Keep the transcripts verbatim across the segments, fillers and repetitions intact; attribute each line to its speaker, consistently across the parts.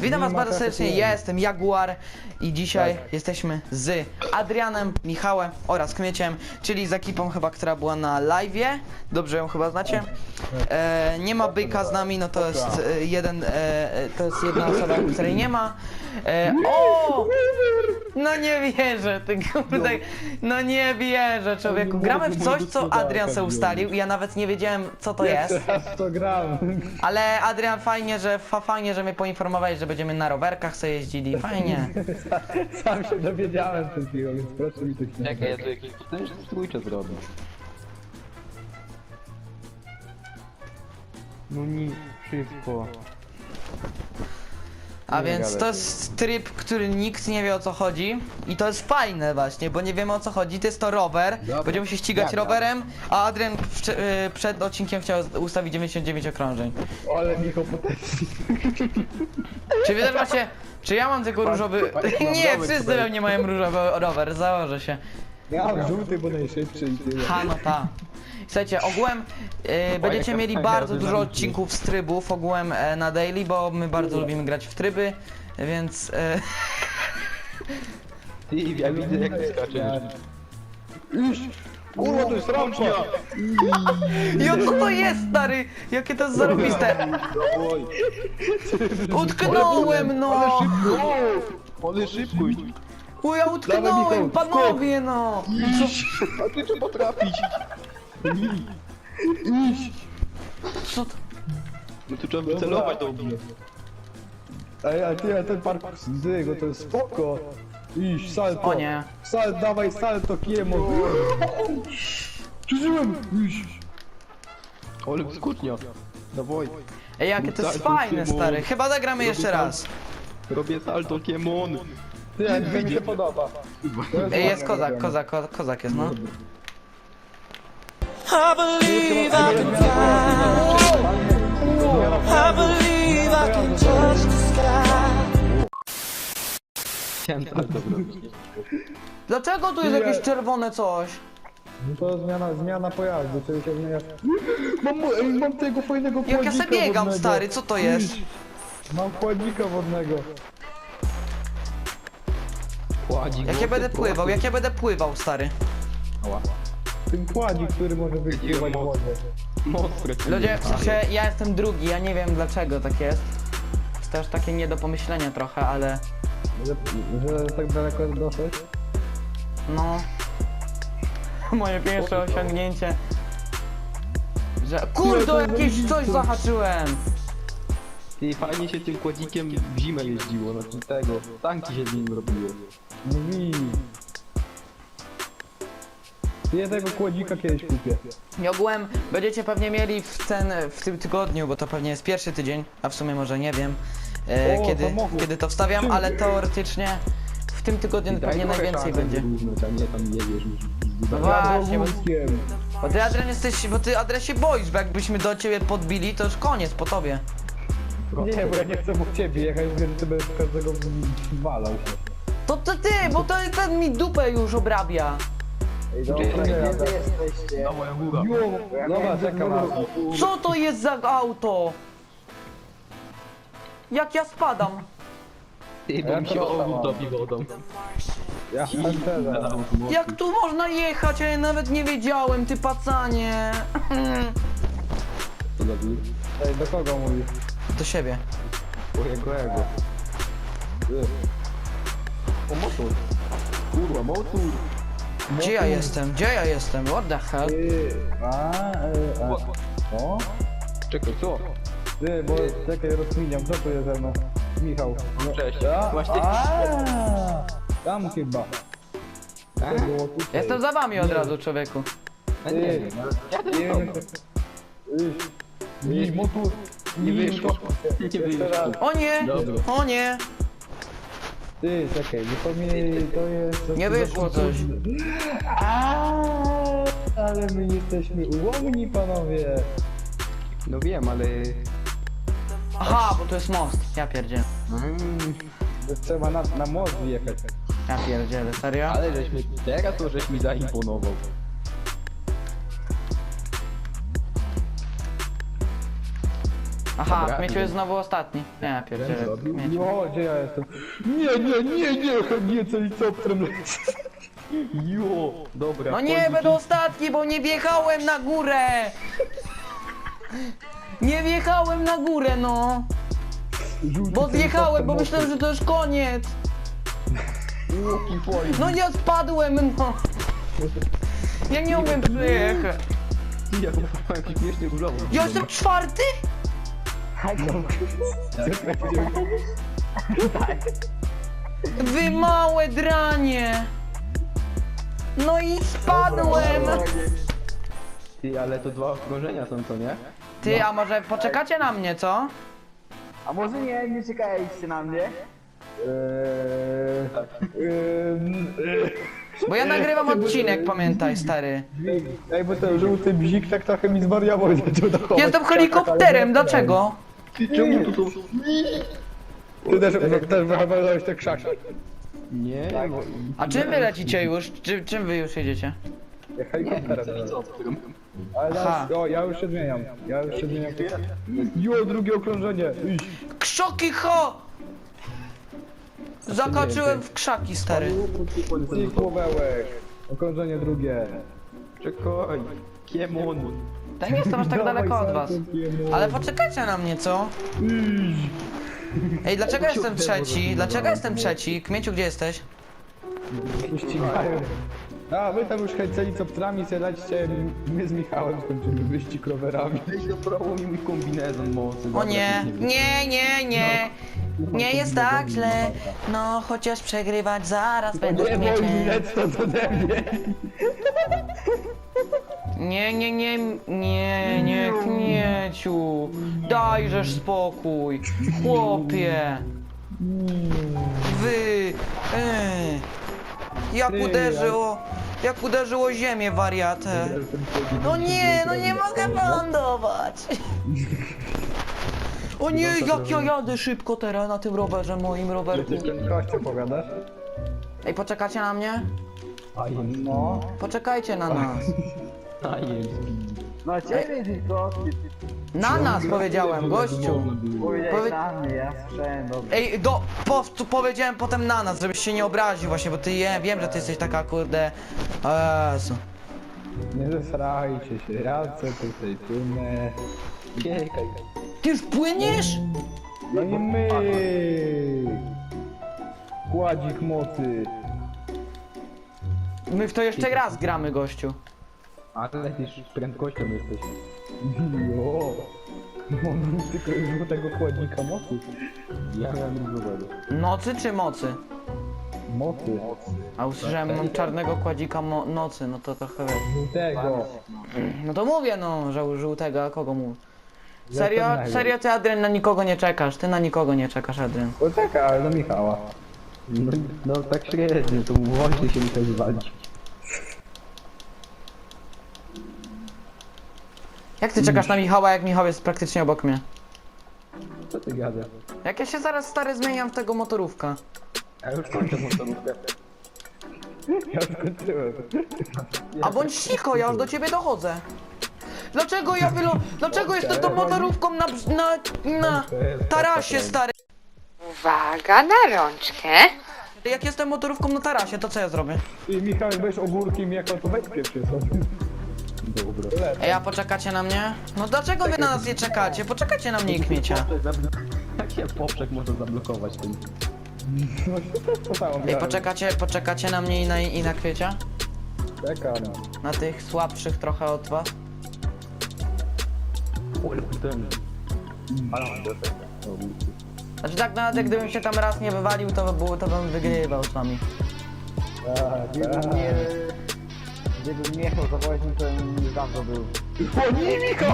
Speaker 1: Witam was
Speaker 2: Nie ma
Speaker 1: bardzo serdecznie,
Speaker 2: kasy,
Speaker 1: ja jestem Jaguar i dzisiaj
Speaker 2: Tak.
Speaker 1: jesteśmy z Adrianem, Michałem oraz Kmieciem, czyli z ekipą chyba, która była na live'ie. Dobrze ją chyba znacie. E, nie ma Byka z nami, no to jest e, jeden, e, to jest jedna osoba, której nie ma. E, o! No nie wierzę, ty kurde, no nie wierzę, człowieku. Gramy w coś, co Adrian se ustalił i ja nawet nie wiedziałem, co to jest.
Speaker 2: Teraz to gram.
Speaker 1: Ale Adrian, fajnie, że fa, fajnie, że mnie poinformowałeś, że będziemy na rowerkach sobie jeździli. Fajnie.
Speaker 2: Sam się dowiedziałem przed chwilą, więc proszę mi tych nie.
Speaker 3: Czekaj, ja tu jakiś potężny strójcze zrobię. No nie, szybko.
Speaker 1: A
Speaker 3: Nie
Speaker 1: więc
Speaker 3: gadaj.
Speaker 1: to jest tryb, który nikt nie wie, o co chodzi. I to jest fajne właśnie, bo nie wiemy, o co chodzi. To jest to rower.
Speaker 3: Dobra.
Speaker 1: Będziemy się ścigać
Speaker 3: Dobra.
Speaker 1: rowerem, a Adrian wcze- y, przed odcinkiem chciał ustawić dziewięćdziesiąt dziewięć okrążeń.
Speaker 2: Ale Michał potężny.
Speaker 1: Czy wy też macie... Czy ja mam tylko różowy... Nie, wszyscy we mnie mają różowy rower, założę się.
Speaker 2: Ja mam żółty, bo najszybszy i tyle.
Speaker 1: Ha, no ta. Słuchajcie, ogółem y, będziecie
Speaker 3: jaka
Speaker 1: mieli
Speaker 3: fajna
Speaker 1: bardzo dużo
Speaker 3: dynamika.
Speaker 1: odcinków z trybów ogółem e, na daily, bo my bardzo lubimy grać w tryby, więc... E,
Speaker 3: Ty, ja widzę jak ty skaczesz.
Speaker 2: Kurwa, to jest rampa!
Speaker 1: jo, co to jest, stary? Jakie to jest zarobiste?
Speaker 3: Oj,
Speaker 1: Utknąłem, no!
Speaker 3: ale szybkość.
Speaker 1: O, ja utknąłem, panowie, no!
Speaker 3: A ty trzeba potrafić.
Speaker 1: Co to?
Speaker 3: No tu trzeba wycelować do mnie.
Speaker 2: Ej, ale ty, ale ten parkour z dygo, to jest spoko. Iść, salto.
Speaker 1: O nie.
Speaker 2: Sal, dawaj salto, kiemo. Przeżyłem! Iść.
Speaker 3: Ale skucznia. Dawaj.
Speaker 1: Ej, jakie to jest fajne, stary. Chyba zagramy jeszcze raz.
Speaker 3: Robię salto kiemon.
Speaker 2: Ty, ale to mi się podoba. To
Speaker 1: Ej, jest
Speaker 2: fajne
Speaker 1: kozak,
Speaker 2: robione.
Speaker 1: kozak, ko- kozak jest, no.
Speaker 4: I believe I can fly. I believe I can touch the sky.
Speaker 3: Chciałem salto zrobić.
Speaker 1: Dlaczego tu jest jakieś czerwone coś?
Speaker 2: No to zmiana, zmiana pojazdu, czyli się zmienia... Mam, ej, mam tego fajnego
Speaker 1: Jak ja
Speaker 2: kładzika
Speaker 1: sobie biegam,
Speaker 2: wodnego.
Speaker 1: stary, co to jest?
Speaker 2: Mam kładzika wodnego.
Speaker 3: Kładzik.
Speaker 1: Jak ja będę pływał, jak ja będę pływał, stary.
Speaker 3: Ała.
Speaker 2: Ten kładzik, który może wykrywać
Speaker 3: moc.
Speaker 2: wodę.
Speaker 3: Mocne.
Speaker 1: Ludzie, w sensie, ja jestem drugi, ja nie wiem dlaczego tak jest. Jest też takie nie do pomyślenia trochę, ale...
Speaker 2: Że, że tak daleko jest dosyć.
Speaker 1: No... Moje pierwsze osiągnięcie... Że... Kurde, jakieś coś zahaczyłem!
Speaker 3: Ty, fajnie się tym kładzikiem w zimę jeździło, znaczy tego, tanki się z nim robiło.
Speaker 2: Mówi. Ja tego kładzika kiedyś kupię.
Speaker 1: I ogółem będziecie pewnie mieli w ten, w tym tygodniu, bo to pewnie jest pierwszy tydzień, a w sumie może nie wiem, e,
Speaker 2: O,
Speaker 1: kiedy,
Speaker 2: samochód.
Speaker 1: kiedy to wstawiam, ale teoretycznie w tym tygodniu pewnie najwięcej będzie.
Speaker 3: Równać, a nie tam jedziesz już.
Speaker 1: No właśnie, bo,
Speaker 2: Wózkiem.
Speaker 1: bo ty Adrian jesteś, bo ty Adrian się boisz, bo jakbyśmy do ciebie podbili, to już koniec po tobie.
Speaker 2: Nie, bo ja nie chcę po ciebie jechać, więc ty będziesz każdego walał się.
Speaker 1: To to ty, bo to ten mi dupę już obrabia.
Speaker 2: Ej, dobra, nie jadę.
Speaker 3: Na moja góra.
Speaker 2: Dobra, czekam.
Speaker 1: Co to jest za auto? Jak ja spadam?
Speaker 3: Ty, bo
Speaker 2: Ja
Speaker 3: mi się
Speaker 2: to
Speaker 3: obóz
Speaker 2: mam.
Speaker 3: dobi wodą.
Speaker 2: Ja pancerza.
Speaker 1: Jak tu można jechać, a ja nawet nie wiedziałem, ty pacanie.
Speaker 3: To dobi.
Speaker 2: Ej, do kogo mówisz?
Speaker 1: Do siebie.
Speaker 3: Mojego ego. O, motor. Kurwa, motor.
Speaker 1: Gdzie ja jestem? Gdzie ja jestem? What the hell?
Speaker 2: Ty, a, e, a. O?
Speaker 3: Czekaj, co?
Speaker 2: Ty, bo czekaj, rozkminiam, co tu jest ze mną? Michał. No,
Speaker 3: Cześć.
Speaker 2: a,
Speaker 3: Właśnie-
Speaker 2: a, tam chyba.
Speaker 3: A?
Speaker 2: To było tutaj.
Speaker 1: Jestem za wami od razu, człowieku.
Speaker 3: A nie
Speaker 2: Ty,
Speaker 3: wiem. Ja
Speaker 2: nie
Speaker 3: też
Speaker 2: wiem, Iść, motor.
Speaker 3: Nie wyszło. Nie
Speaker 2: Jeszcze
Speaker 3: wyszło.
Speaker 2: raz.
Speaker 1: O nie!
Speaker 3: Dobra.
Speaker 1: O nie!
Speaker 2: Ty, czekaj, bo to mi, to jest...
Speaker 1: Nie wyszło coś.
Speaker 2: A, ale my jesteśmy ułomni, panowie.
Speaker 3: No wiem, ale...
Speaker 1: Aha, bo to jest most. Ja pierdzielę.
Speaker 3: Mm,
Speaker 2: To trzeba na, na most wjechać.
Speaker 1: Ja pierdzielę, serio?
Speaker 3: ale żeś mi... Teraz to żeś mi zaimponował.
Speaker 1: Aha,
Speaker 3: Dobra.
Speaker 1: Kmieciu jest znowu ostatni. Nie, pierdzielę. Kmieciu.
Speaker 2: No, gdzie ja jestem? Nie, nie, nie, nie, nie, co helikopterem lecę.
Speaker 3: Jo, dobra.
Speaker 1: No nie, będę ostatni, bo nie wjechałem na górę! Nie wjechałem na górę, no!
Speaker 2: Żółty
Speaker 1: Bo zjechałem,
Speaker 2: helikopter
Speaker 1: bo
Speaker 2: mocy.
Speaker 1: myślałem, że to już koniec!
Speaker 3: Łuki twoje.
Speaker 1: No nie spadłem, no! Ja nie umiem przyjechać.
Speaker 3: Ja mam jakiś śmieszny różowy.
Speaker 1: Ja jestem czwarty? Wy małe dranie! No i spadłem!
Speaker 3: Ty, ale to dwa okrążenia są, to nie?
Speaker 1: Ty, a może poczekacie na mnie, co?
Speaker 5: A może nie, nie czekaliście na mnie?
Speaker 2: Eee, eee,
Speaker 1: Bo ja nagrywam odcinek, pamiętaj, stary.
Speaker 2: Ej, bo ten żółty bzik tak trochę mi zwariował i zaczął dochować.
Speaker 1: Jestem helikopterem, dlaczego?
Speaker 3: Ty, czemu tu są...
Speaker 2: Ty też, też wychowałeś te krzaki.
Speaker 3: Nie, bo...
Speaker 1: A czym wy lecicie już? Czy, czym wy już jedziecie?
Speaker 2: Helikopterem. Ale
Speaker 1: Aha.
Speaker 2: teraz, o, ja już się zmieniam. Ja już się zmieniam. Jo, drugie okrążenie. Iść.
Speaker 1: Krzoki ho! Zakaczyłem w krzaki, stary.
Speaker 2: I kłobełek. Okrążenie drugie.
Speaker 3: Czekaj. Kiemon.
Speaker 1: Ja nie jestem aż tak daleko od was. Ale poczekajcie na mnie, co? Ej, dlaczego jestem trzeci? Dlaczego jestem trzeci? Kmieciu, gdzie jesteś?
Speaker 2: Ścigają. A, wy tam już helicopterami siadacie, my z Michałem skończymy wyścig rowerami.
Speaker 3: Weź doprało mi mój kombinezon mocy.
Speaker 1: O nie, nie, nie, nie. Nie jest tak źle. No, chociaż przegrywać zaraz będę
Speaker 2: Nie boj
Speaker 1: Kmieciem.
Speaker 2: bilet stąd ode mnie.
Speaker 1: Nie, nie, nie, nie, nie, Kmieciu. Dajżesz spokój. Chłopie. Wy. Ej. Jak uderzyło. Jak uderzyło ziemię, wariatę. No nie, no nie mogę wylądować. O nie, jak ja jadę szybko teraz na tym rowerze, moim rowerku.
Speaker 2: Kościół powiadasz?
Speaker 1: Ej, poczekacie na mnie?
Speaker 2: No.
Speaker 1: Poczekajcie na nas.
Speaker 3: A jest.
Speaker 5: No ciebie tylko,
Speaker 1: Na nas powiedziałem, gościu.
Speaker 5: powiedziałeś
Speaker 1: Powie-
Speaker 5: na mnie, ja słyszałem, dobrze.
Speaker 1: Ej, do, po, tu powiedziałem potem na nas, żebyś się nie obraził właśnie, bo ty je, wiem, że ty jesteś taka kurde. O Jezu.
Speaker 2: Nie zesrajcie się, ja chcę tutaj płynę.
Speaker 3: Czekaj.
Speaker 1: Ty już płyniesz?
Speaker 2: No i my. Kładzik mocy.
Speaker 1: My w to jeszcze raz gramy, gościu.
Speaker 3: Ale ty z prędkością jesteś.
Speaker 2: Jo. Mam tylko żółtego kładzika mocy.
Speaker 3: Ja miałem różowego.
Speaker 1: Nocy czy mocy?
Speaker 2: Mocy.
Speaker 1: A usłyszałem mam czarnego kładzika mo nocy, no to trochę wiesz.
Speaker 2: Żółtego.
Speaker 1: No to mówię no, że żółtego, a kogo mów?
Speaker 2: Ja
Speaker 1: Serio,
Speaker 2: to nie wiem.
Speaker 1: serio ty Adrian na nikogo nie czekasz, ty na nikogo nie czekasz, Adrian.
Speaker 2: Poczekaj, ale do Michała.
Speaker 3: No, no tak średnio, to właśnie się mi to wywalić.
Speaker 1: Jak ty czekasz na Michała, jak Michał jest praktycznie obok mnie?
Speaker 3: Co ty gadasz?
Speaker 1: Jak ja się zaraz stary zmieniam w tego motorówka.
Speaker 3: Ja już kończę motorówkę.
Speaker 2: Ja skończyłem.
Speaker 1: A bądź cicho, ja już do ciebie dochodzę. Dlaczego ja wylo... Dlaczego jestem tą motorówką na... na... na... tarasie, stary?
Speaker 6: Uwaga na rączkę.
Speaker 1: Jak jestem motorówką na tarasie, to co ja zrobię?
Speaker 2: I Michał, jak będziesz ogórkiem, jak to weź pierwszy sobie.
Speaker 3: Dobra.
Speaker 1: Ej, a poczekacie na mnie? No dlaczego wy na nas nie czekacie? Poczekajcie na mnie i Kmiecia.
Speaker 3: Jak się poprzek może zablokować tym?
Speaker 2: No to samo
Speaker 1: Ej, poczekacie, poczekacie na mnie i na, i na Kwiecia?
Speaker 2: Czekam.
Speaker 1: Na tych słabszych trochę od was?
Speaker 3: Ule, ten. Ale
Speaker 1: Znaczy tak naprawdę, gdybym się tam raz nie wywalił, to by było, to bym wygrywał z wami.
Speaker 2: Tak,
Speaker 5: Gdybym
Speaker 2: tak.
Speaker 5: nie... Gdybym nie chciał zawołać, to bym już dawno był.
Speaker 2: O nie, Michał!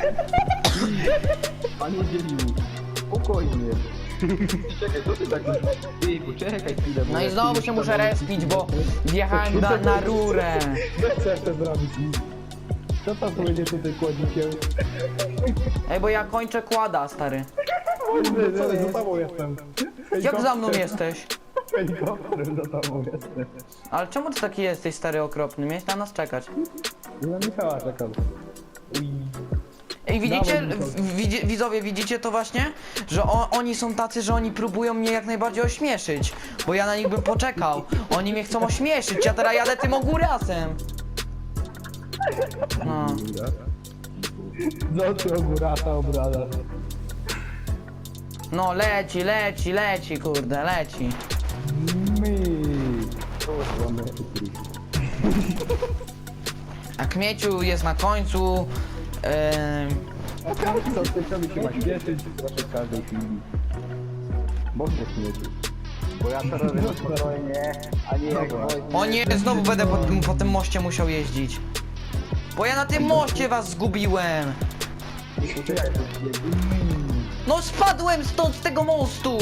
Speaker 3: Panie dzielił. Spokojnie. Czekaj, co ty tak... Ty, poczekaj chwilę, bo
Speaker 1: No i
Speaker 3: jak
Speaker 1: znowu
Speaker 3: ty
Speaker 1: się
Speaker 3: już
Speaker 1: muszę
Speaker 3: tam-
Speaker 1: respić, bo wjechałem na, na rurę.
Speaker 2: Co chcę zrobić? Co to będzie tutaj kładzikiem?
Speaker 1: Ej, bo ja kończę kłada, stary.
Speaker 2: Co ty, za tobą jestem.
Speaker 1: Jak za mną jesteś?
Speaker 2: Helikopterem za tobą jestem.
Speaker 1: Ale czemu ty taki jesteś, stary, okropny? Miałeś na nas czekać.
Speaker 2: Na Michała czekam.
Speaker 1: Ej, widzicie,
Speaker 2: Dawaj, Michał.
Speaker 1: w- widzi, widzowie, widzicie to właśnie? Że o, oni są tacy, że oni próbują mnie jak najbardziej ośmieszyć. Bo ja na nich bym poczekał. Oni mnie chcą ośmieszyć, ja teraz jadę tym ogórasem. No.
Speaker 2: No ty ogórata obrada.
Speaker 1: No leci, leci, leci, kurde, leci.
Speaker 2: Mi.
Speaker 1: A Kmieciu jest na końcu. Em,
Speaker 2: Co ty co mi się ma śpieszyć? Proszę w każdej chwili.
Speaker 3: Boże śmieci.
Speaker 5: Bo ja to robię na spokojnie, a nie jak woźny.
Speaker 1: o nie, znowu będę po, tym- po tym moście musiał jeździć. Bo ja na tym moście was zgubiłem. No spadłem stąd z tego mostu.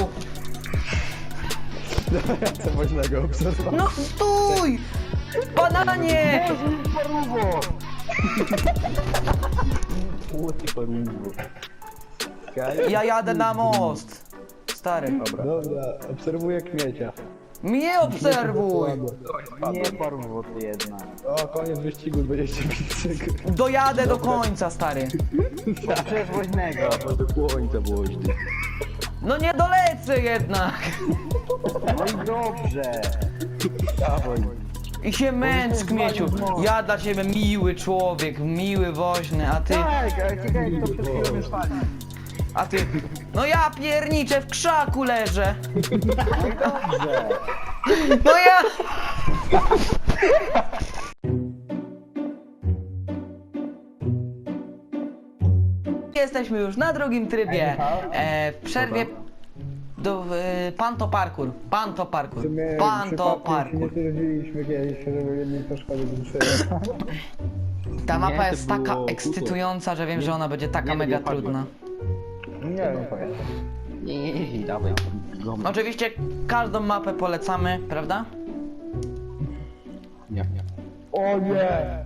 Speaker 2: Co woźnego obserwować.
Speaker 1: No stój! Bananie!
Speaker 3: Płoty porówno.
Speaker 1: Ja jadę na most. Stary.
Speaker 2: Dobra, obserwuję Kmiecia.
Speaker 1: Mnie obserwuj!
Speaker 5: Nie porwód jednak.
Speaker 2: O, koniec wyścigu, dwadzieścia pięć sekund.
Speaker 1: Dojadę do końca, stary.
Speaker 5: Przez woźnego.
Speaker 3: Do końca woźny.
Speaker 1: No nie dolecę jednak.
Speaker 5: No i dobrze.
Speaker 3: Dawaj.
Speaker 1: I się męcz, Kmieciu. Ja dla ciebie miły człowiek, miły woźny, a ty...
Speaker 5: Tak, ale ciekawe kto przed chwilą mnie spalił.
Speaker 1: A ty... No ja pierniczę, w krzaku leżę.
Speaker 5: No i dobrze.
Speaker 1: No ja... Jesteśmy już na drugim trybie. E, w przerwie... Do, e, panto parkour. Panto parkour. Panto parkour.
Speaker 2: Nie twierdziliśmy kiedyś, żeby jednej to szkody duszyło.
Speaker 1: Ta mapa
Speaker 3: Nie,
Speaker 1: jest
Speaker 3: to
Speaker 1: taka
Speaker 3: było
Speaker 1: ekscytująca, że wiem, że ona będzie taka
Speaker 3: nie,
Speaker 1: mega
Speaker 3: nie padło.
Speaker 1: trudna.
Speaker 2: Nie wiem, powiem.
Speaker 3: Nie, nie, nie, dawaj. Gom.
Speaker 1: Oczywiście każdą mapę polecamy, prawda?
Speaker 3: Nie, nie.
Speaker 2: O nie!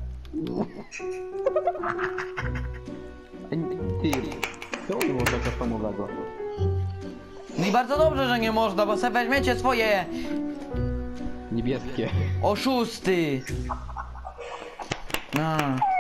Speaker 3: Ty, co to było taka samowego?
Speaker 1: No i bardzo dobrze, że nie można, bo sobie weźmiecie swoje
Speaker 3: Niebieskie.
Speaker 1: oszusty. No.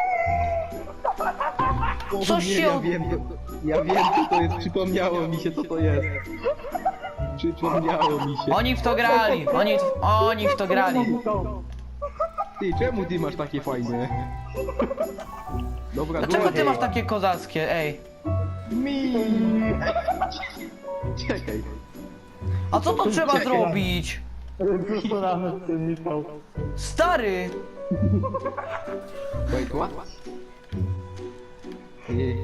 Speaker 1: Co się
Speaker 3: Ja
Speaker 1: od...
Speaker 3: wiem, to, ja wiem co to jest, przypomniało mi się co to jest. Przypomniało mi się.
Speaker 1: Oni w to grali, oni, oni w to grali.
Speaker 3: Ty, czemu ty masz takie fajne? Dobra,
Speaker 1: Dlaczego ty
Speaker 3: dobra.
Speaker 1: masz takie kozackie, ej?
Speaker 3: Mi. Czekaj.
Speaker 1: A co to trzeba zrobić?
Speaker 2: Co rano z tym Michał?
Speaker 1: Stary!
Speaker 3: Wait, what? Nie.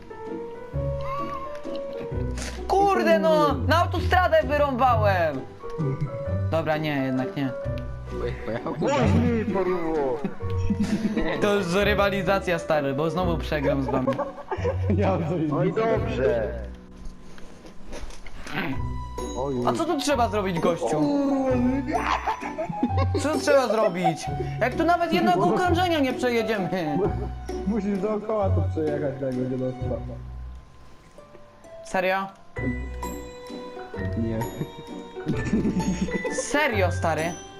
Speaker 1: Kurde no! Na autostradę wyrąbałem! Dobra, nie, jednak nie.
Speaker 3: Pojechał?
Speaker 5: Woźny porwód.
Speaker 1: To już rywalizacja, stary, bo znowu przegram z wami.
Speaker 2: Ja coś
Speaker 5: No i dobrze.
Speaker 1: A co tu trzeba zrobić, gościu? Co trzeba zrobić? Jak tu nawet jednego okrążenia nie przejedziemy.
Speaker 2: Musisz dookoła to przejechać, tak będzie dostęp.
Speaker 1: Serio?
Speaker 3: Nie.
Speaker 1: Serio, stary?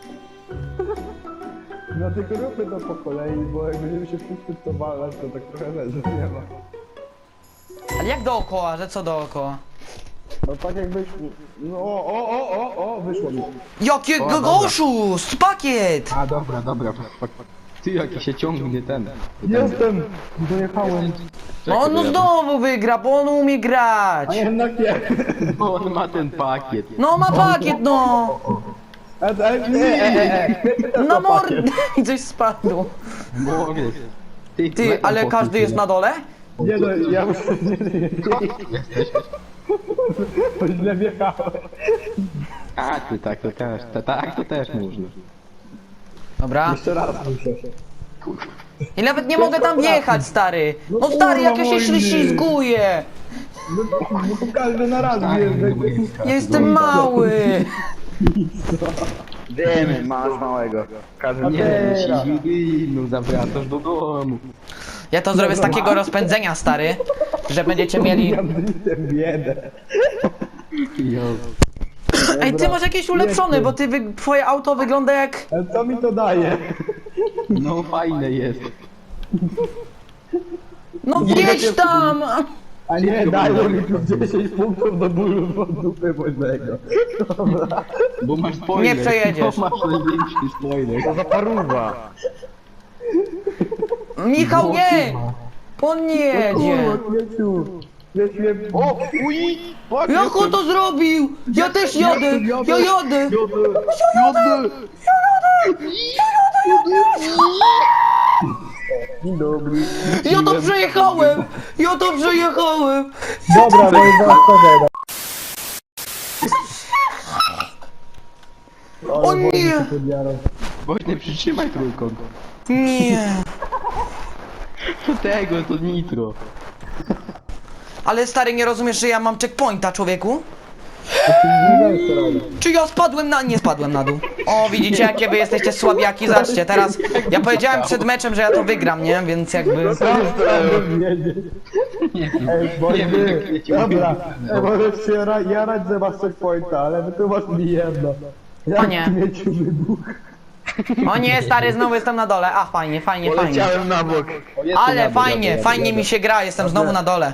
Speaker 2: No tylko róbmy to po kolei, bo jak będziemy się wszyscy w to walać, to tak trochę leży, nie ma.
Speaker 1: Ale jak dookoła, że co dookoła?
Speaker 2: No tak jakbyś... No o, o, o, o, o, wyszło mi.
Speaker 1: Jakiego
Speaker 3: dobra.
Speaker 1: oszust! Pakiet!
Speaker 3: A dobra, dobra. Ty jaki się ciągnie ten.
Speaker 2: Jestem! Dojechałem.
Speaker 1: No on no znowu wygra, bo on umie grać!
Speaker 2: A jednak nie.
Speaker 3: Bo on ma ten pakiet.
Speaker 1: No ma pakiet, no!
Speaker 2: E, e, nie, e, e.
Speaker 1: Na mordę! I coś spadło.
Speaker 3: Mogę. Ty,
Speaker 1: Ty,
Speaker 3: metal
Speaker 1: ale
Speaker 3: pokiet,
Speaker 1: każdy jest na dole?
Speaker 2: Nie no, ja już nie, nie, nie.
Speaker 3: Jesteś?
Speaker 2: Bo źle wjechałem.
Speaker 3: A ty tak to też. Ta, tak to też można.
Speaker 1: Dobra.
Speaker 2: Jeszcze raz muszę.
Speaker 1: I nawet nie mogę tam wjechać, stary! No stary, jak ja się ślizguję!
Speaker 2: No, no to każdy na raz wjeżdża.
Speaker 1: Ja jestem mały!
Speaker 5: Wiemy, masz małego. Każdy
Speaker 3: Nie,
Speaker 2: Teraz.
Speaker 3: si, no zawracasz do domu.
Speaker 1: Ja to zrobię z takiego rozpędzenia, stary, że będziecie mieli...
Speaker 2: Ja blisem biedę.
Speaker 3: Jo.
Speaker 1: Ej, ty masz jakieś ulepszone, bo ty wy... twoje auto wygląda jak...
Speaker 2: Ale co mi to daje?
Speaker 3: No fajne jest.
Speaker 1: No wjedź tam!
Speaker 2: A nie, dajmy mi tu dziesięć punktów do bólu od dupy Bożego. Dobra.
Speaker 3: Bo masz spoiler.
Speaker 1: Nie przejedziesz.
Speaker 3: Bo masz największy spoiler.
Speaker 5: To za paruwa.
Speaker 1: Michał, nie! On nie jedzie!
Speaker 2: Kmieciu. Kmieć mnie...
Speaker 3: O, uj! Fuck,
Speaker 1: Jak on to zrobił? Ja też jadę! Ja jadę!
Speaker 3: Jadę!
Speaker 2: Dzień dobry.
Speaker 1: Ja to przejechałem! Ja to przejechałem!
Speaker 2: Dobra, bo jest zaraz pożega.
Speaker 1: O nie!
Speaker 3: Właśnie przytrzymaj trójkąt.
Speaker 1: Nie!
Speaker 3: Tego to nitro.
Speaker 1: Ale stary, nie rozumiesz, że ja mam checkpointa, człowieku? Czy ja spadłem na... Nie spadłem na dół. O, widzicie, jakie wy jesteście słabiaki, zobaczcie, teraz... Ja powiedziałem przed meczem, że ja to wygram, nie? Więc jakby...
Speaker 2: Ej, Boże, dobra. Ej, możesz się ra- jarać, że masz checkpointa, ale wytłumacz mi jedno. Jak
Speaker 1: O nie.
Speaker 2: Kmieciu wybuch?
Speaker 1: O nie, stary, znowu jestem na dole. A, fajnie, fajnie, fajnie.
Speaker 5: na bok.
Speaker 1: Ale fajnie, fajnie mi się gra, jestem znowu na dole.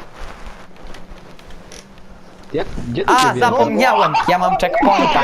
Speaker 3: Jak? Gdzie to
Speaker 1: A,
Speaker 3: się wjeżdża?
Speaker 1: zapomniałem, ja mam checkpointa.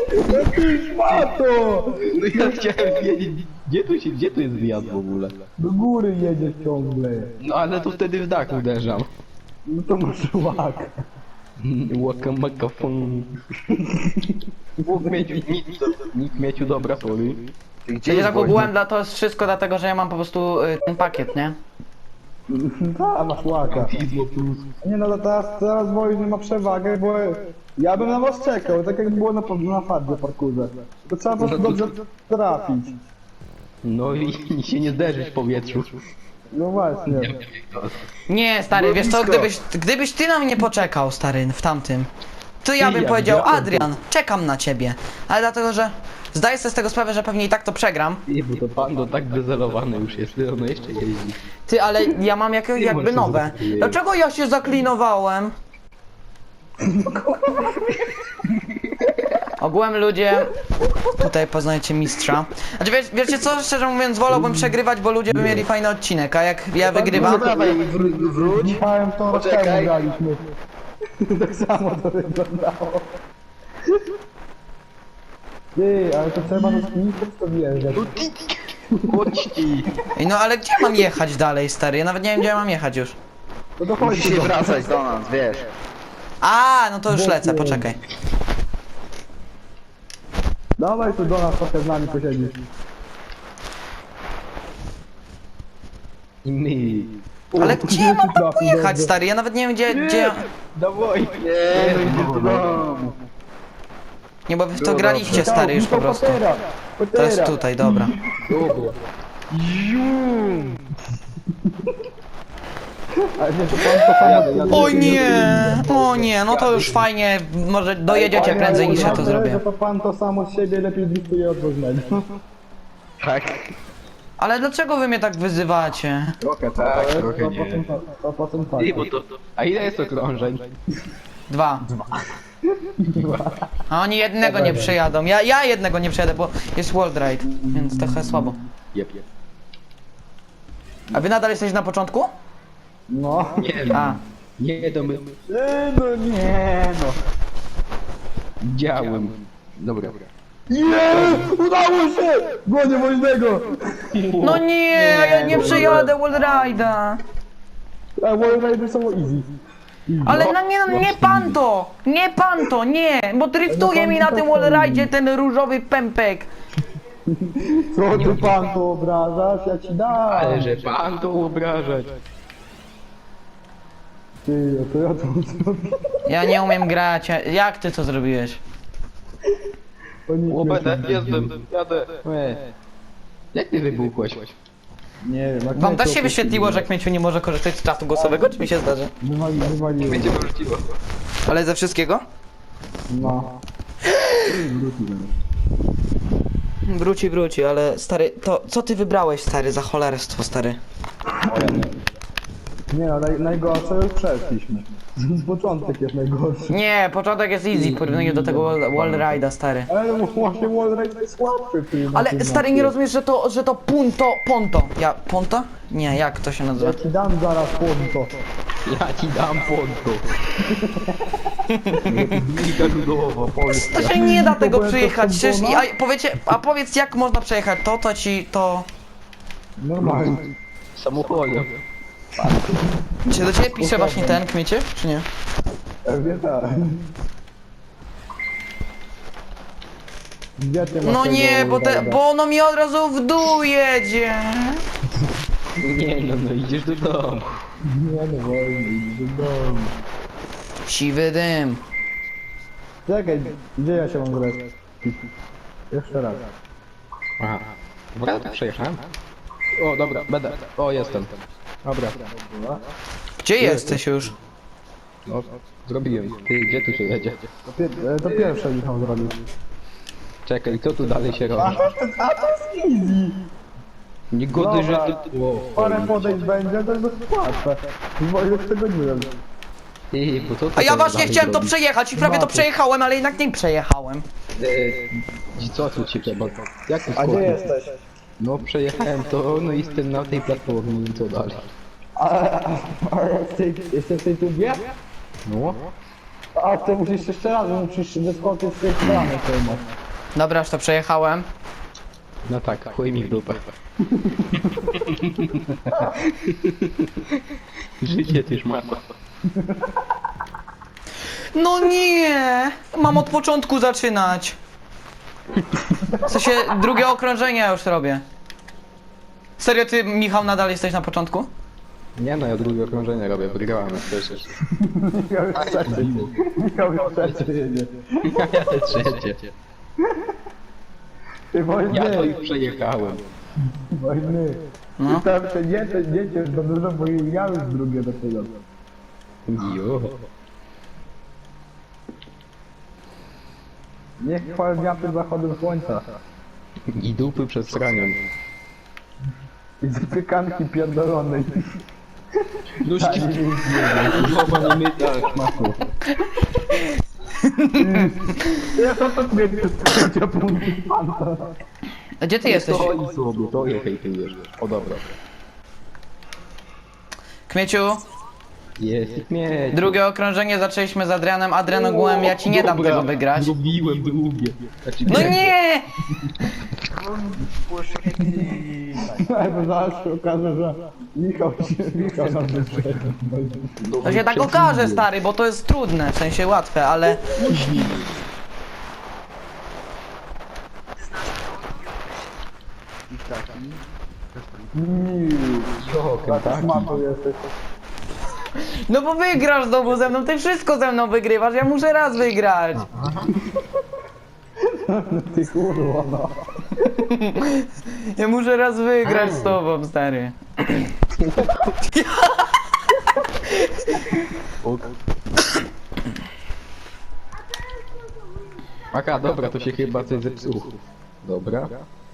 Speaker 2: Pato!
Speaker 3: No ja chciałem wiedzieć, gdzie tu się, gdzie tu jest wjazd w ogóle?
Speaker 2: Do góry jedziesz ciągle.
Speaker 3: No ale to wtedy w dach uderzam.
Speaker 2: No to masz łak.
Speaker 3: Łaka maka fun. Nikt mieciu, nikt mieciu dobra poli.
Speaker 5: Gdzie
Speaker 1: Ja
Speaker 5: jest
Speaker 1: tak ogółem, dla- to jest wszystko dlatego, że ja mam po prostu y, ten pakiet, nie?
Speaker 2: Ta, masz łaka.
Speaker 3: Izmo plus.
Speaker 2: Nie no, to teraz, teraz wojny ma przewagę, bo ja bym na was czekał, tak jak było na, na fardzie parkurze. To trzeba po prostu dobrze trafić.
Speaker 3: No i, i się nie zderzyć w powietrzu.
Speaker 2: No właśnie.
Speaker 1: Nie, stary, wiesz co, gdybyś, gdybyś ty na mnie poczekał, stary, w tamtym, to ja bym
Speaker 3: Ja
Speaker 1: powiedział,
Speaker 3: widziałem.
Speaker 1: Adrian, czekam na ciebie. Ale dlatego, że zdaję sobie z tego sprawę, że pewnie i tak to przegram.
Speaker 3: Nie, bo to pando tak wyzelowany już jest, ty ono jeszcze jeździ.
Speaker 1: Ty, ale ja mam jak, jakby
Speaker 3: możesz
Speaker 1: nowe.
Speaker 3: zaskakuje.
Speaker 1: Dlaczego ja się zaklinowałem? Ogółem ludzie, tutaj poznajecie mistrza. Znaczy wiesz, wiecie co, szczerze mówiąc wolałbym przegrywać, bo ludzie by mieli fajny odcinek, a jak ja wygrywam...
Speaker 5: Dawaj, wró- wróć.
Speaker 2: Michałem to rok
Speaker 5: Poczekaj.
Speaker 2: temu graliśmy. Tak samo to wyglądało. Ty, ale to trzeba do skiników to wjeżdżać.
Speaker 3: Chodź ci!
Speaker 1: Ej, no ale gdzie mam jechać dalej, stary? Ja nawet nie wiem, gdzie ja mam jechać już.
Speaker 2: No to chodź
Speaker 5: Musisz
Speaker 2: tu
Speaker 5: się
Speaker 2: do...
Speaker 5: wracać do nas, wiesz.
Speaker 1: A, no to już lecę, poczekaj.
Speaker 2: Dawaj tu do nas, trochę z nami posiedzisz.
Speaker 3: I my.
Speaker 1: Ale gdzie ja mam tam pojechać, stary? Ja nawet nie wiem, gdzie... gdzie... ja-
Speaker 3: Dawaj!
Speaker 5: Nie, no idziesz do domu.
Speaker 1: Nie, bo wy w to graliście, stary, już po prostu.
Speaker 2: Potera,
Speaker 1: To jest
Speaker 2: potera.
Speaker 1: tutaj, dobra.
Speaker 3: Dobra.
Speaker 2: Ale nie, to pan to samo...
Speaker 1: O nie, o nie, no to już fajnie, może dojedziecie prędzej niż ja to zrobię.
Speaker 2: Że to pan to samo z siebie lepiej driftuje od różnego.
Speaker 5: Tak.
Speaker 1: Ale dlaczego wy mnie tak wyzywacie?
Speaker 3: Trochę tak, trochę nie.
Speaker 2: To potem tak.
Speaker 3: Ej, bo to... A ile jest okrążeń?
Speaker 1: Dwa. A oni jednego nie przejadą. Ja, ja jednego nie przejadę, bo jest World Ride, więc trochę słabo.
Speaker 3: Jep, jep.
Speaker 1: A wy nadal jesteście na początku?
Speaker 2: No.
Speaker 3: Nie wiem.
Speaker 1: A.
Speaker 3: Nie, to my...
Speaker 2: Nie, no nie, no.
Speaker 3: Działym. Dobra.
Speaker 2: Nie! Udało się! Gonię woźnego!
Speaker 1: No nie, ja nie przejadę World Ride'a.
Speaker 2: A World Rider są easy.
Speaker 1: Ale no nie, no nie pan to! Nie pan to, nie! Bo driftuje mi na tym World Ride'zie ten różowy pępek.
Speaker 2: Co ty pan to obrażasz? Ja ci dam!
Speaker 3: Ale że pan to obrażać.
Speaker 2: Ty, a to ja to zrobię.
Speaker 1: Ja nie umiem grać, a- jak ty to zrobiłeś?
Speaker 2: O nie,
Speaker 3: Łobędę, jestem, jadę. E. Jak ty wybuchłeś?
Speaker 2: Nie wiem, jak
Speaker 1: Wam
Speaker 2: mnie
Speaker 1: też
Speaker 2: to
Speaker 1: się wyświetliło, że Kmieciu nie może korzystać z czatu głosowego, czy mi się zdarzy?
Speaker 2: Wywali, wywaliło.
Speaker 3: Będzie wróciło.
Speaker 1: Ale ze wszystkiego?
Speaker 2: No.
Speaker 1: Wróci, wróci, ale stary, to co ty wybrałeś, stary, za cholerstwo, stary?
Speaker 2: Nie no, naj, najgorsze już przeszliśmy. Początek jest najgorszy.
Speaker 1: Nie, początek jest easy w porównaniu do tego wall, wall ride'a, stary.
Speaker 2: Ale no właśnie Wallride jest łatwy film.
Speaker 1: Ale stary, nie rozumiesz, że to, że to punto, ponto. Ja, ponto? Nie, jak to się nazywa?
Speaker 2: Ja ci dam zaraz ponto.
Speaker 3: Ja ci dam ponto. Liga ludowa, Polska.
Speaker 1: To się nie da tego
Speaker 2: To byłem
Speaker 1: przejechać,
Speaker 2: to
Speaker 1: przecież,
Speaker 2: Fontana?
Speaker 1: a powiecie, a powiedz jak można przejechać to, to ci, to...
Speaker 2: Normalnie.
Speaker 3: Samochodem.
Speaker 1: Czy do ciebie pisze właśnie ten kmiecie, czy nie?
Speaker 2: Pewnie tak. Gdzie ty masz
Speaker 1: No
Speaker 2: tego
Speaker 1: nie, bo, te,
Speaker 2: Wallride'a?
Speaker 1: bo ono mi od razu w dół jedzie.
Speaker 3: Nie no, no idziesz do domu.
Speaker 2: Nie no wolno, idź do domu.
Speaker 1: Siwy dym.
Speaker 2: Czekaj, gdzie ja się mam grać? Jeszcze raz.
Speaker 3: Aha. Dobra, to przejechałem. O, dobra, będę. O, jestem. Dobra.
Speaker 1: Gdzie jesteś już?
Speaker 3: No, zrobiłem. Ty, gdzie tu się jedzie?
Speaker 2: To, pier- e, to pierwsze Michał zrobił.
Speaker 3: Czekaj, co tu dalej się robi?
Speaker 2: A to jest easy!
Speaker 3: Niegody, że
Speaker 2: Dobra.
Speaker 3: ty... O,
Speaker 2: Parę podejść będzie, to jest łatwe. Wojtek tego nie wiem.
Speaker 3: Ty, bo co ty
Speaker 1: A ja
Speaker 3: tam
Speaker 1: właśnie
Speaker 3: dalej
Speaker 1: chciałem to
Speaker 3: robisz?
Speaker 1: przejechać i prawie to przejechałem, ale jednak nie przejechałem.
Speaker 3: I co tu ci trzeba? Jak tu
Speaker 2: A gdzie
Speaker 3: skoczyć?
Speaker 2: jesteś?
Speaker 3: No przejechałem to, no i jestem na tej platformie i co dalej?
Speaker 2: A, a, a ja w tej, jestem w tej tubie?
Speaker 3: No?
Speaker 2: A ty musisz jeszcze raz, musisz wyskoczyć z tej strony filmu.
Speaker 1: Dobra, już to przejechałem.
Speaker 3: No tak, chuj mi w dupę. Życie też ma.
Speaker 1: No nie! Mam od początku zaczynać. W sensie drugie okrążenie ja już robię. Serio, ty, Michał, nadal jesteś na początku?
Speaker 3: Nie no, ja drugie okrążenie robię, wygrałem przecież.
Speaker 2: Michał jest trzeci. Michał jest trzeci jedzie.
Speaker 3: Ja jadę trzecie.
Speaker 2: Ty wojny,
Speaker 3: Ja to już przejechałem.
Speaker 2: wojny.
Speaker 1: No.
Speaker 2: Ty tam się nie, te, nie ciesz za dużo, bo ja już drugie do tego.
Speaker 3: Jo.
Speaker 2: Nie chwal dnia przed zachodem słońca.
Speaker 3: I dupy przed sranią.
Speaker 2: I zapiekanki pierdolonej.
Speaker 3: Nóżki głowa nie myta, szmaku.
Speaker 2: Ja to to mnie trzecia punkty panta.
Speaker 1: A gdzie ty jesteś?
Speaker 3: To i sobie, to je hejtujesz. O dobra.
Speaker 1: Kmieciu,
Speaker 3: Jest mieć.
Speaker 1: drugie okrążenie zaczęliśmy z Adrianem. Adrian ogółem, ja ci nie dam tego wygrać.
Speaker 3: Zrobiłem drugie. Znaczy,
Speaker 1: No nie!
Speaker 2: Bo zaraz się okaże, że Michał się, Michał nam wyszedł.
Speaker 1: To się tak okaże, stary, bo to jest trudne, w sensie łatwe, ale...
Speaker 3: Jo, Kentucky.
Speaker 2: Mato jesteś.
Speaker 1: No bo wygrasz znowu ze mną, ty wszystko ze mną wygrywasz, ja muszę raz wygrać.
Speaker 2: Ty kurwa no.
Speaker 1: Ja muszę raz wygrać z tobą, stary.
Speaker 3: Aka, dobra, to się chyba coś zepsuło. Dobra.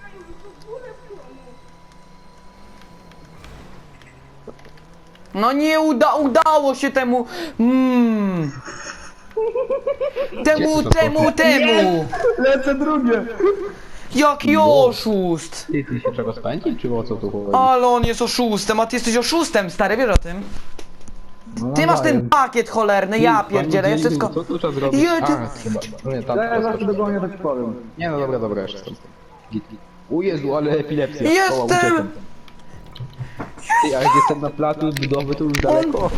Speaker 1: No nie uda, udało się temu... Mm. Temu, temu, temu!
Speaker 2: Lecę drugie.
Speaker 1: Jaki oszust!
Speaker 3: Ty, ty się trzeba spędzić, czy o co tu chodzi?
Speaker 1: Ale on jest oszustem, a ty jesteś oszustem, stary, wiesz o tym? Ty masz ten pakiet cholerny, ja pierdzielę, ja wszystko...
Speaker 3: Co tu trzeba zrobić?
Speaker 1: Ja tu-
Speaker 3: A, chyba. No nie, tam
Speaker 2: Ja
Speaker 3: teraz
Speaker 2: zaraz dogonię, to ci powiem.
Speaker 3: Nie no dobra, dobra, jeszcze. Git, git. O Jezu, ale epilepsja.
Speaker 1: Jestem!
Speaker 3: O, uciekam. Ty, a jak jestem na placu budowy, to już daleko.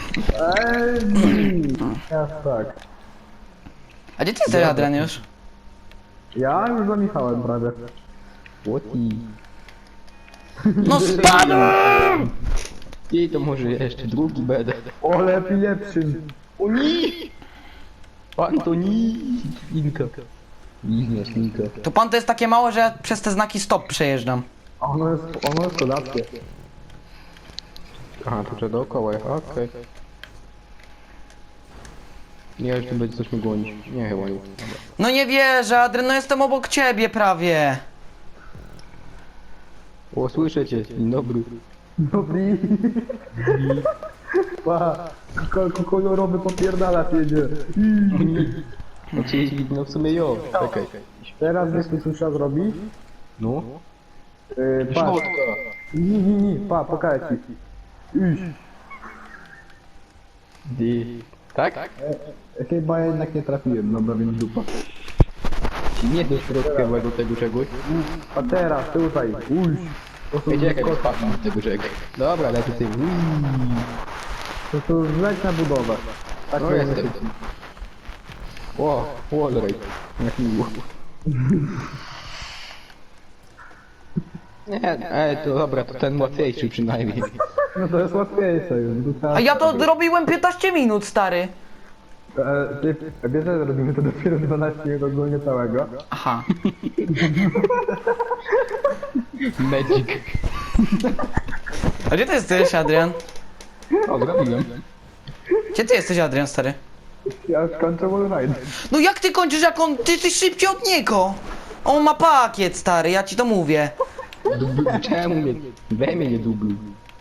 Speaker 2: Eee, ja tak.
Speaker 1: A gdzie ty jesteś, Adrian, już?
Speaker 2: Ja już za Michałem prawie.
Speaker 3: Łoci.
Speaker 1: No spadłem!
Speaker 3: I to może jeszcze drugi będę.
Speaker 2: Ole epilepsyn.
Speaker 3: Oni! Antoni! Inka. Nie, Inka.
Speaker 1: To pan to jest takie małe, że ja przez te znaki stop przejeżdżam.
Speaker 2: A ono jest, ono jest kozackie.
Speaker 3: Aha, to trzeba dookoła, okej. Nie, już tu będzie coś mi gonić. Nie, chyba nie. Dobra.
Speaker 1: No nie wierzę, Adrian, no jestem obok ciebie prawie.
Speaker 3: O, słyszę cię. Dzień dobry.
Speaker 2: Dobry. Pa, ko- kolorowy popierdalacz jedzie.
Speaker 3: No ci, no w sumie jo, czekaj.
Speaker 2: Teraz wiesz co trzeba zrobić?
Speaker 3: No.
Speaker 2: Yy, patrz.
Speaker 3: Środka.
Speaker 2: Nie, nie, nie, pa, pokażę ci. Iść.
Speaker 3: I... Tak?
Speaker 2: E, chyba jednak nie trafiłem, dobra, więc dupa.
Speaker 3: Nie do środka do tego czegoś.
Speaker 2: A teraz, tutaj, ujść. To są
Speaker 3: Ej, czekaj, spadł do tego czegoś. Dobra, lecę ty.
Speaker 2: To to zleć na budowę. Tak
Speaker 3: No
Speaker 2: to
Speaker 3: jestem.
Speaker 2: jest.
Speaker 3: O, wallrate. Jak miło. Nie, ej, to dobra, to ten łatwiejszy przynajmniej.
Speaker 2: No to jest łatwiejsze już. Tu trzeba-
Speaker 1: A ja to robiłem piętnaście minut, stary.
Speaker 2: E, ty, wiesz, że robimy to dopiero dwanaście minut ogólnie całego.
Speaker 1: Aha.
Speaker 3: Magic.
Speaker 1: A gdzie ty jesteś, Adrian?
Speaker 3: O, zrobiłem.
Speaker 1: Gdzie ty jesteś, Adrian, stary?
Speaker 2: Ja już kończę wallride.
Speaker 1: No jak ty kończysz, jak on... Ty jesteś szybciej od niego! On ma pakiet, stary, ja ci to mówię.
Speaker 3: Dublu, czemu mnie? We mnie nie dubluj.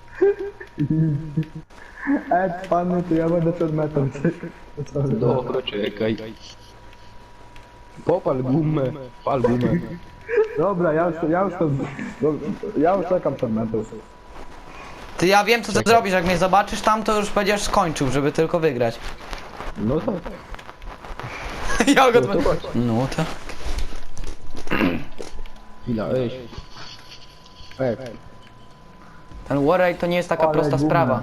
Speaker 2: E, panu, to ja będę przed metą. To co?
Speaker 3: Dobra, czekaj. Popal gumę, pal gumę.
Speaker 2: Dobra, ja już, ja już to... Ja już czekam przed metą.
Speaker 1: Ty, ja wiem, co ty zrobisz, jak mnie zobaczysz tam, to już będziesz skończył, żeby tylko wygrać.
Speaker 3: No to,
Speaker 1: Ja go
Speaker 3: no to chodź.
Speaker 1: No to...
Speaker 3: Chwila, ej. Ej,
Speaker 1: Ten warrate to nie jest taka
Speaker 2: Ale
Speaker 1: prosta
Speaker 2: gówno.
Speaker 1: sprawa.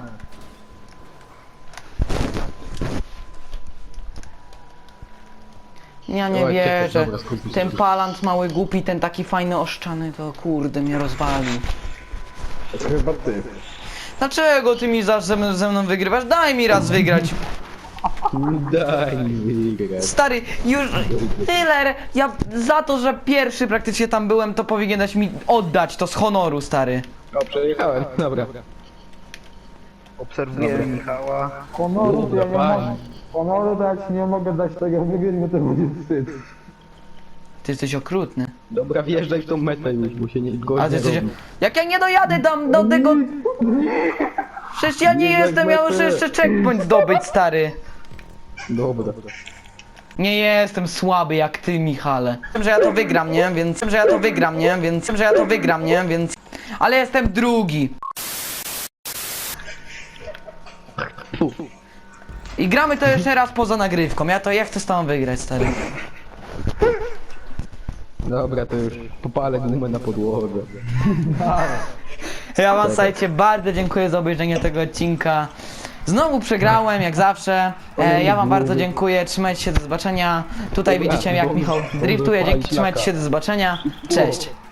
Speaker 1: Ja nie
Speaker 3: Oj, czekaj,
Speaker 1: wierzę.
Speaker 3: dobra, skupić się.
Speaker 1: Ten palant mały głupi, ten taki fajny oszczany, to kurde mnie rozwali.
Speaker 2: To chyba ty.
Speaker 1: Dlaczego ty mi zawsze ze mną- ze mną wygrywasz? Daj mi raz wygrać.
Speaker 3: daj mi wygrać.
Speaker 1: Stary, już tyle. Ja za to, że pierwszy praktycznie tam byłem, to powinieneś mi oddać to z honoru, stary.
Speaker 3: O, przejechałem, dobra.
Speaker 5: Obserwuję Michała.
Speaker 2: Honoru to ja nie
Speaker 3: Dobra,
Speaker 2: mogę... Honoru to ja ci nie mogę dać tego wygrać, bo to będzie wstyd.
Speaker 1: Ty jesteś okrutny.
Speaker 3: Dobra, wjeżdżaj w tą metę już, bo się nie
Speaker 1: Ale
Speaker 3: gorzej
Speaker 1: ty jesteś...
Speaker 3: robi.
Speaker 1: Jak ja nie dojadę tam do tego... Przecież ja nie jestem, ja muszę jeszcze checkpoint zdobyć, stary.
Speaker 3: Dobra.
Speaker 1: Nie jestem słaby jak ty, Michale. Wiem, że ja to wygram, nie? Więc wiem, że ja to wygram, nie? Więc wiem, że ja to wygram, nie? Więc... Ale jestem drugi. I gramy to jeszcze raz poza nagrywką. Ja to ja chcę z tobą wygrać, stary.
Speaker 3: Dobra, to już popalę gumę na podłodze.
Speaker 1: Ja wam, słuchajcie, bardzo dziękuję za obejrzenie tego odcinka. Znowu przegrałem, jak zawsze. E, ja wam bardzo dziękuję, trzymajcie się, do zobaczenia. Tutaj widzicie, jak Michał driftuje, dzięki, trzymajcie się, do zobaczenia. Cześć.